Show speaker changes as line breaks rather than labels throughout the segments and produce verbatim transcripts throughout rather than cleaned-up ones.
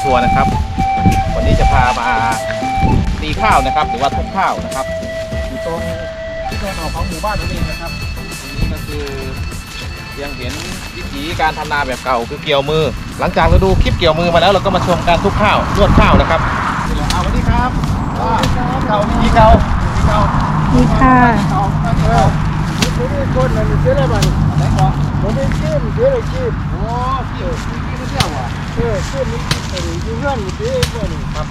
ทัวร์นะครับวันนี้จะพามาตีข้าวนะครับหรือว่าทุบข้าวนะครับอยู่ตรงที่ตรงออกของหมู่บ้านนั่นเองนะครับตรงนี้ก็คือยังเห็นวิถีการทำนาแบบเก่าคือเกี่ยวมือหลังจากเราดูคลิปเกี่ยวมือมาแล้วเราก็มาชมการทุบข้าวนวดข้าวนะครับนี่แหละเอาวันนี้ครับเก่ามีเก่ามีเก่า
มีค่ะ
เก่าเก่าผมไม่คนนั่นเสียอะไรบ้างไหนก่อนผมไม่เชื่อมเสียอะไรชีพโอ้เกี่ยวมีกี่มาเที่ยวอ่ะเออเชื่อมมีกี่อยู่เงื่อนมีกี่พวกนี้ครับ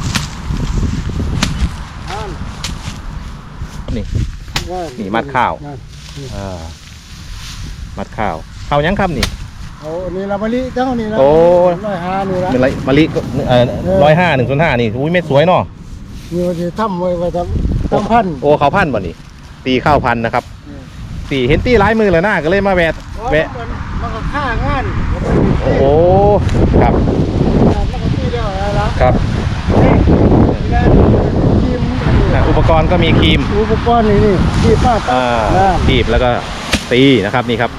นี่นี่มัดข้าวอ่ามัดข้าวข้าวยังครับนี่
โอ้นี่ละมะลิเจ้านี่ละ
โอ้
ร้อยห้านี่ละ
เป็นไรมะลิเอ่อร้อยห้าหนึ่งส่วนห้านี่อุ้ยเม็ดสวยเนาะ
นี่ว่าจะทำไว้ไว้ทำทำพันธุ์
โอ้ข้าวพันธุ์บ่นี่ตีข้าวพันธุ์นะครับตีเห็นตีร้ายมือเลยหน้าก็เลยมาแวะแวะ
มันก็ฆ่างาน
โอ้โหครับ
แล้วก็ตีเดียวอะไรละ
ครับ
ครีม
อุปกรณ์ก็มีครีม
อุปกรณ์นี่นี่ครีมมาก
อ่าบีบแล้วก็ตีนะครับนี่ครับ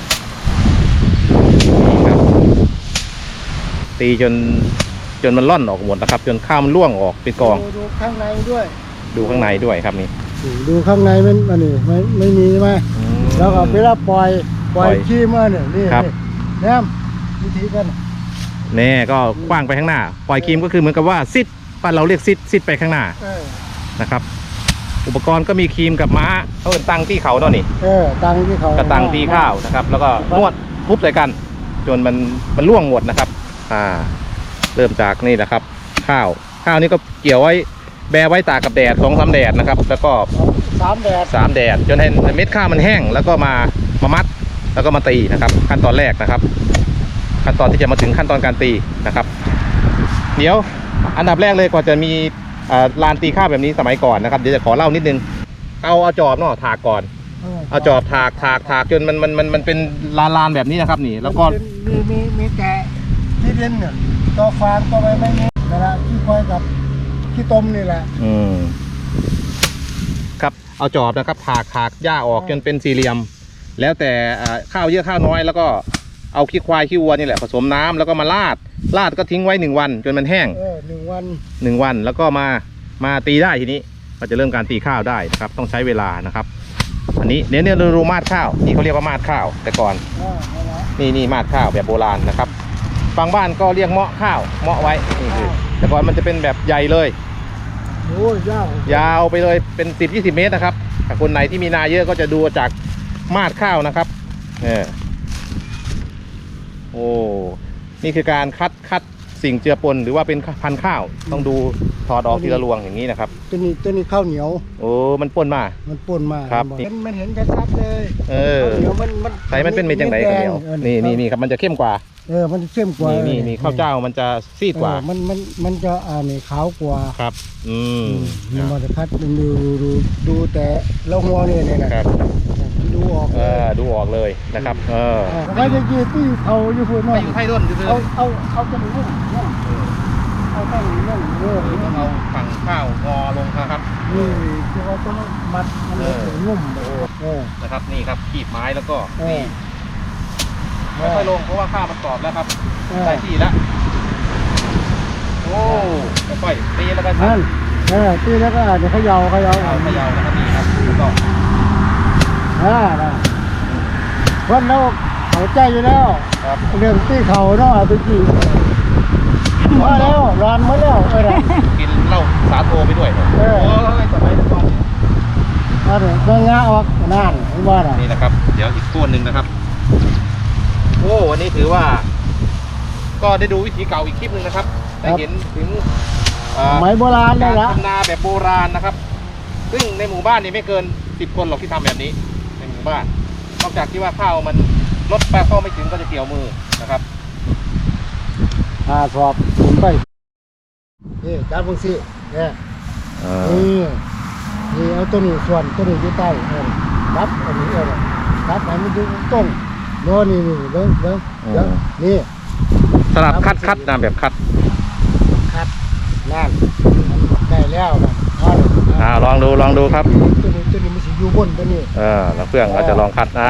นี่ครับตีจนจนมันล่อนออกหมดนะครับจนข้าวมันร่วงออกเป็นกอง
ดูข้างในด้วย
ดูข้างในด้วยครับนี่
ดูข้างในมันอันนี้ไม่ไม่มีใช่ไหมแล้วก็เวลาปล่อยปล่อยครีมมาเนี่ยนี่แนมวิธีกัน
แน่ก็กว้างไปข้างหน้าปล่อยครีมก็คือเหมือนกับว่าซิดบ้านเราเรียกซิดซิดไปข้างหน้านะครับอุปกรณ์ก็มีครีมกับม้าเขาเป็นตั้งที่เขาเนาะนี่
เออตังที่เขา
กระตังตีข้าวนะครับแล้วก็นวดทุบใส่กันจนมันมันร่วงหมดนะครับอ่าเริ่มจากนี่แหละครับข้าวข้าวนี่ก็เกี่ยวไว้แบไว้ตากกับแดดสองสามแดดนะครับแล้วก็
สามแดด
สามแดดจนให้เม็ดข้าวมันแห้งแล้วก็มามามัดแล้วก็มาตีนะครับขั้นตอนแรกนะครับขั้นตอนที่จะมาถึงขั้นตอนการตีนะครับเดี๋ยวอันดับแรกเลยก่อนจะมีลานตีข้าวแบบนี้สมัยก่อนนะครับเดี๋ยวจะขอเล่านิดนึงเอาเอาจอบเนาะถากก่อนเอาจอบถากถากถากจนมันมันมันมันเป็นลานลานแบบนี้นะครับนี่แล้วก็
มีมีมีแกะที่เล่นเนี่ยตัวฟางตัวอะไรไม่มีนั่นแหละที่คอยกับที่ต้มนี่แหละ
อืมครับเอาจอบนะครับถากถากหญ้าออกจนเป็นสี่เหลี่ยมแล้วแต่ข้าวเยอะข้าวน้อยแล้วก็เอาขี้ควายขี้วัวนี่แหละผสมน้ำแล้วก็มาลาดลาดก็ทิ้งไว้หนึ่งวันจนมันแห้ง
เออหนึ่งวัน
หนึ่งวันแล้วก็มามาตีได้ทีนี้ก็จะเริ่มการตีข้าวได้นะครับต้องใช้เวลานะครับอันนี้เดี๋ยวเนี่ยเราดูมาดข้าวนี่เขาเรียกว่ามาดข้าวแต่ก่อน
อ่าเอาละ
นี่นี่มาดข้าวแบบโบราณนะครับบางบ้านก็เรียกเมาะข้าวเมาะไว้นี่คือแต่ก่อนมันจะเป็นแบบใหญ่เลย
โอ้ยยาวย
าวไปเลยเป็นสิบยี่สิบเมตรนะครับถ้าคนไหนที่มีนาเยอะก็จะดูจากมาดข้าวนะครับเออโอ้นี่คือการคัดคัดสิ่งเจือปนหรือว่าเป็นพันธุ์ข้าวต้องดูถอดออกทีละรวงอย่างนี้นะครับ
ตัวนี้ตัวนี้ข้าวเหนียว
โอ้มันปนมา
มันป่นมา
ครับ
มันมันเห็นกระซับเลย
เออ
ข้าวเหนียวมันมัน
ใส่มันเป็นเม็ดจังไหนข้าวเหนียว
ออ
นี่นี่นี่ครับมันจะเข้มกว่า
เออมันเข้มกว่า
นี่นี่นี่ข้าวเจ้ามันจะซีดกว่า
เออมันมันมันจะอ่านี่ขาวกว่า
ครับอืม
มันมันจะคัดดูดูดูดูแต่ละหัวนี่เนี่ยนะครับ ดูออก
เออดูออกเลยนะครับเออ
ไม่จะยืดที่เขาอยู่พูด
ไป
เนาะ
อยู่ไทยร่นคือ
เอาเอาเอาตรงนี้เนี่ยเอาตรงนี้เนี่ยเออ
ต้องเอาฝั่งข้าวงอลงนะครับ
นี่คือว่าต้องมัดมัน
เออ
นุ่มเออ
นะครับนี่ครับขีดไม้แล้วก็
เออ
นี่ค่อยๆลงเพราะว่าข้าวมันกรอบแล้วครับ
เออ
ได้ที่แล้วโอ้ค่อยๆตีแล้วกัน
นั่นเออตีแล้วก็เดี๋ยวเขายาวเขายาว
เอาเขย่านะครับนี่ครับแล้วก็
อ่านะวันเราเข้าใจอยู่แล้ว
ครับ
เรื่องที่เขาเนาะตุกี้มาแล้วร้านมาแล้วเออ
กินเหล้าสาโทไปด้วย
เออ
โอ้ยสมัยก่อน
มาเถอะเรื่องงาออกนั่นเห็นบ่น่ะ
นี่นะครับเดี๋ยวอีกต้นหนึ่งนะครับโอ้วันนี้ถือว่า ก็ได้ดูวิธีเก่าอีกคลิปหนึ่งนะครับได้เห็นถึงเอ่อ
ไม้โบราณได้
การ
ละ
ทำนาแบบโบราณนะครับ ซึ่งในหมู่บ้านนี่ไม่เกินสิบคนหรอกที่ทำแบบนี้ในหมู่บ้านนอกจากที่ว่าข้าวมันลดไปเข้าไม่ถึงก็จะเกี่ยวมือนะครับ
อ่าสอบหมุนไปนี่จับพวกสิเนี่ยนี่นี่เอาตัวนี้ส่วนตัวนี้อยู่ใต้เออรับอันนี้เออรับให้มันอยู่ตรงโน่นนี่นี่เบิ้งเบิ้งเดี๋ยวนี่
สลับคัดคัดนะแบบคัด
คัดนั่นได้แล้วนะเอาเลย
อ่าลองดูลองดูครับ
ตัวนี้ตัวนี้มันสิอยู่บนตัวนี้
เออแล้วเพื่อนเราจะลองคัดอ่า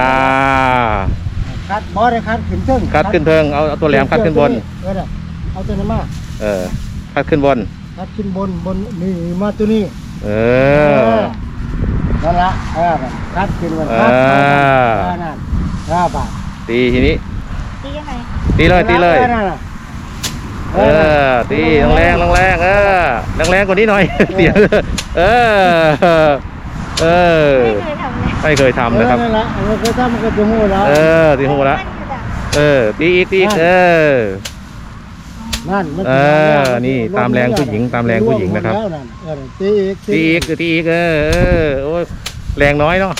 คัดบอได้คัดขึ้นเทิง
คัดขึ้นเทิงเอาเอาตัวแหลมคัดขึ้นบน
เออเอาตัวนี้มา
เออพัดขึ้นบน
พัดขึ้นบนบนนี่มาตัวนี้
เอ
เอ
อ
นั่นละเออพัดขึ้นบน
เอ
พัด
อ
นั่นห้าบาท
ตีทีนี้
ตียังไง
ตีเลยตีเลย
นั่นน่ะ
เออตีแรงแรงแรงๆเออแรงแรงๆกว่านี้หน่อยเสียงเออเออ
ไม่เคยทำเลย
ไม่เคยทำนะครับ
นั่นละเราเคยทำมันก็จะหูแล้ว
เออตีหูแล้วเออตีอีกตีอีกเออ
นั่นมัน
เออนี่ตามแรงผู้หญิงตามแรงผู้หญิงนะครับ
แล้วเออตีอีก
ตีอีกตีอีกเออเออโอ้ยแรงน้อยเนาะ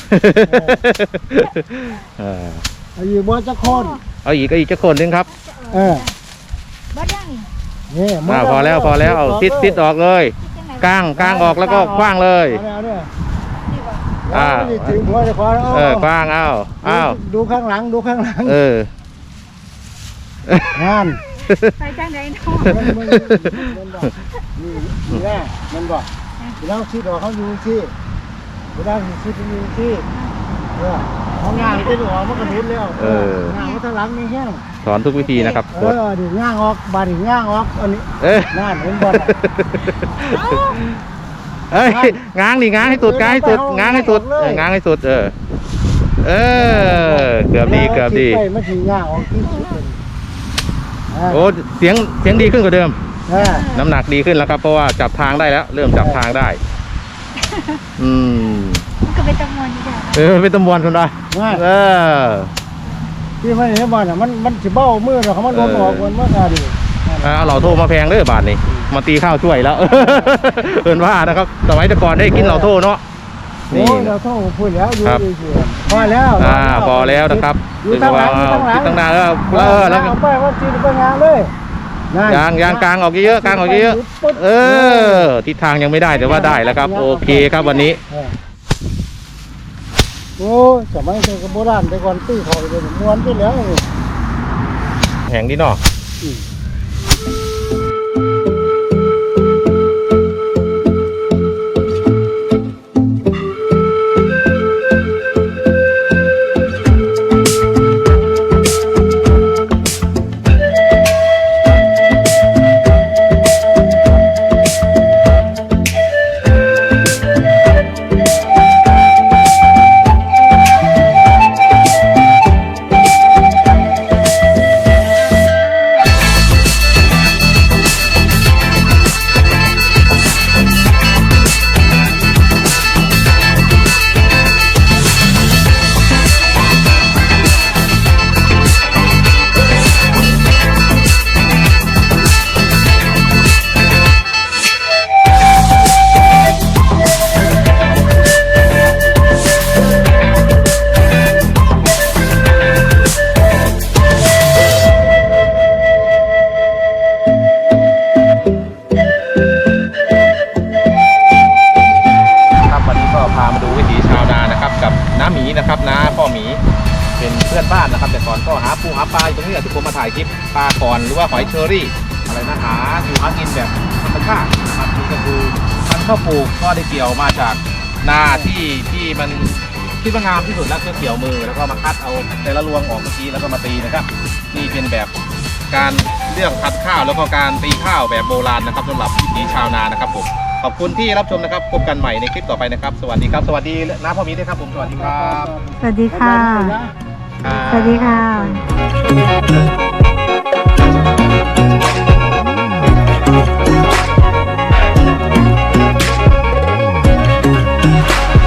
เออ
เอาอยู่บนจะคน
เอาอีกก็อีกจะคนหนึงครับ
เออ
บ้านยังนี่
นี่
อ่าพอแล้วพอแล้วเอาติดติดออกเลยก้างก้างออกแล้วก็คว้างเลย
เอาเอาเนี่ย
นี่บ่
อ่า
ไม่ได้ถึงหัวจะคว้า
เออคว้างเอาเอา
ดูข้างหลังดูข้างหลัง
เออ
งาน
ไปจังไดเนาะ
มันมันมันบอกนี่นี่แน่มันบอกเวลาชิดออกเขาอยู่ที่เวลาชิดอยู่ที่เออเขางานที่ออกมันก็นุนแล้ว
เออ
งานมันทางหลังนี่แห้ง
สอนทุกวิธีนะครับ
เออดิง่างออกบาดิง่างออกอันนี้
เอ้ย
นั่นเห็นบอล
เอ้ยง้างดิง้างให้สุดง้างให้สุดง้างให้สุดเออง้างให้สุดเออเออเกือบดีเกือบดี
ไปมันถึงง่างออกที่สุดเลยอ่า
โอ้เสียงเสียงดีขึ้นกว่าเดิม
อ่า
น้ำหนักดีขึ้นแล้วครับเพราะว่าจับทางได้แล้ว เริ่มจับทางได้ อืม
มันก็เป็นจำนวนอยู่แล้ว
เออเป็นตำรวจคนละ
ว่า
เออ
ที่มันเห็นบอลอ่ะมันมันสิเบ้ามือเราเขามันล้มออกมันมันก็ดี
เอาเหล่าโทมาแพงเด้อบาทนี่มาตีข้าวช่วยแล้ว เอินว่านะครับสมัยแต่ก่อนได้กินเหล่าโทเนาะ
โอ้
นี่
ยเราโทษพูดแล้วอยู่
ครับ
ดีเฉยพอแล้ว
อ่าพอแล้วนะครับ
อยู่ตั้งหลังอยู่ตั้งหลัง
ตั้งหน้าแล้วเออแล้วก็
เอาไปว่าจีนไปงานเลยนั่น
ยางยางกลางออกเยอะๆกลางออกเยอะๆเออทิศทางยังไม่ได้แต่ว่าได้แล้วครับ โอเคครับวันนี้
เออโอ้ยสมัยเด็กโบราณแต่ก่อนตีเขาเลยม้วนไปแล้วนี่
แห่งนี้เนาะ
อืม
ครับวันนี้ก็พามาดูวิถีชาวนานะครับ กับน้าหมีนะครับน้าพ่อหมีเป็นเพื่อนบ้านนะครับ แต่ก่อนก็หาปูหาปลาอยู่ตรงนี้แหละที่ผมมาถ่ายคลิปปลาก่อนหรือว่าหอยเชอรี่อะไรนะหาอยู่หากินแบบธรรมชาตินะครับนี่ก็คือพันธุ์ข้าวปลูกก็ได้เกี่ยวมาจากนาที่ที่มันคิดว่างามที่สุดแล้วก็เกี่ยวมือแล้วก็มาคัดเอาแต่ละรวงออกเมื่อกี้แล้วก็มาตีนะครับนี่เป็นแบบการเลือกคัดข้าวแล้วก็การตีข้าวแบบโบราณนะครับสำหรับวิถีชาวนานะครับผมขอบคุณที่รับชมนะครับพบกันใหม่ในคลิปต่อไปนะครับสวัสดีครับสวัสดีน้าพ่อหมีด้วยครับผมสวัสดีครับ
สวัสดีค่ะ
ครับ
สวัสดีค่ะ